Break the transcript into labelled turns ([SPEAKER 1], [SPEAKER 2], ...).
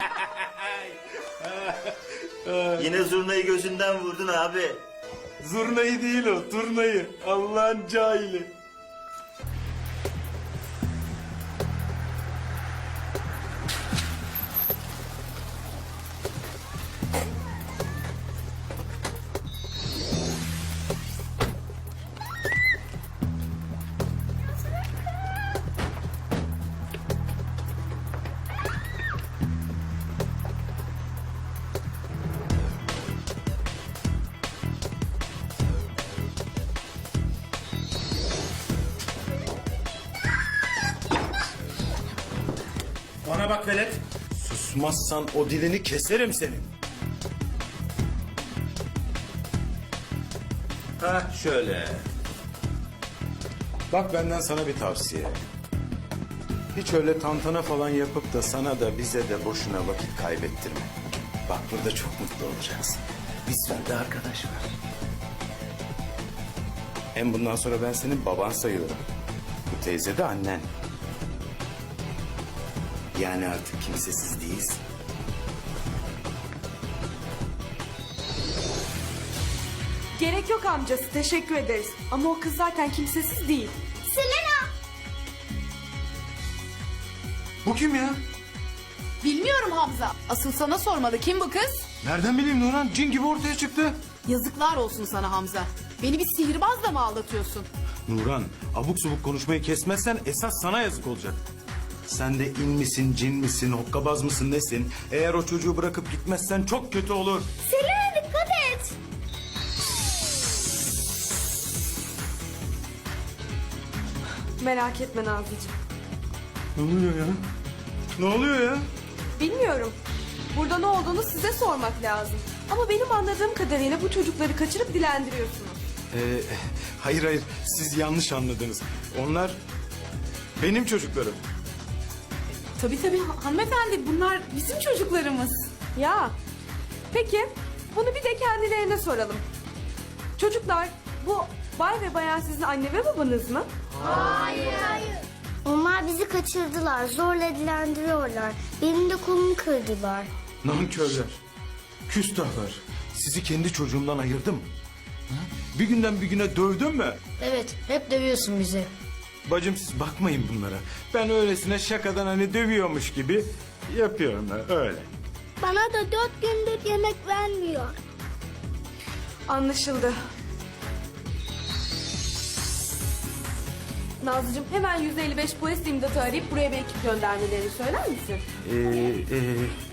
[SPEAKER 1] Yine zurnayı gözünden vurdun abi.
[SPEAKER 2] Zurnayı değil o, turnayı. Allah'ın cahili.
[SPEAKER 3] Bana bak velet.
[SPEAKER 2] Susmazsan o dilini keserim senin. Ha şöyle. Bak benden sana bir tavsiye. Hiç öyle tantana falan yapıp da sana da bize de boşuna vakit kaybettirme. Bak burada çok mutlu olacaksın. Bir sürü de arkadaş var. Hem bundan sonra ben senin baban sayılırım. Bu teyze de annen. Yani artık kimsesiz değilsin.
[SPEAKER 4] Gerek yok amcası, teşekkür ederiz. Ama o kız zaten kimsesiz değil.
[SPEAKER 5] Selena!
[SPEAKER 2] Bu kim ya?
[SPEAKER 5] Bilmiyorum Hamza. Asıl sana sormalı. Kim bu kız?
[SPEAKER 2] Nereden bileyim Nurhan? Cin gibi ortaya çıktı.
[SPEAKER 5] Yazıklar olsun sana Hamza. Beni bir sihirbazla mı aldatıyorsun?
[SPEAKER 2] Nurhan, abuk subuk konuşmayı kesmezsen esas sana yazık olacak. Sen de in misin, cin misin, hokkabaz mısın, nesin? Eğer o çocuğu bırakıp gitmezsen çok kötü olur.
[SPEAKER 5] Selena dikkat et.
[SPEAKER 4] Merak etme Nazlıcığım.
[SPEAKER 2] Ne oluyor ya? Ne oluyor ya?
[SPEAKER 4] Bilmiyorum. Burada ne olduğunu size sormak lazım. Ama benim anladığım kadarıyla bu çocukları kaçırıp dilendiriyorsunuz.
[SPEAKER 2] Hayır, siz yanlış anladınız. Onlar benim çocuklarım.
[SPEAKER 5] Tabii hanımefendi, bunlar bizim çocuklarımız.
[SPEAKER 4] Ya, peki bunu bir de kendilerine soralım. Çocuklar, bu bay ve bayan sizin anne ve babanız mı?
[SPEAKER 6] Onlar bizi kaçırdılar, zorla dilendiriyorlar. Benim de kolumu kırdılar.
[SPEAKER 2] Nankörler, küstahlar. Sizi kendi çocuğumdan ayırdım. Ha? Bir günden bir güne dövdüm mü?
[SPEAKER 6] Evet, hep dövüyorsun bizi.
[SPEAKER 2] Bacım siz bakmayın bunlara. Ben öylesine şakadan hani dövüyormuş gibi yapıyorum öyle.
[SPEAKER 6] Bana da 4 gündür yemek vermiyor.
[SPEAKER 4] Anlaşıldı. Nazlıcığım hemen 155 polis imdatı arayıp buraya bir ekip göndermelerini söyler misin?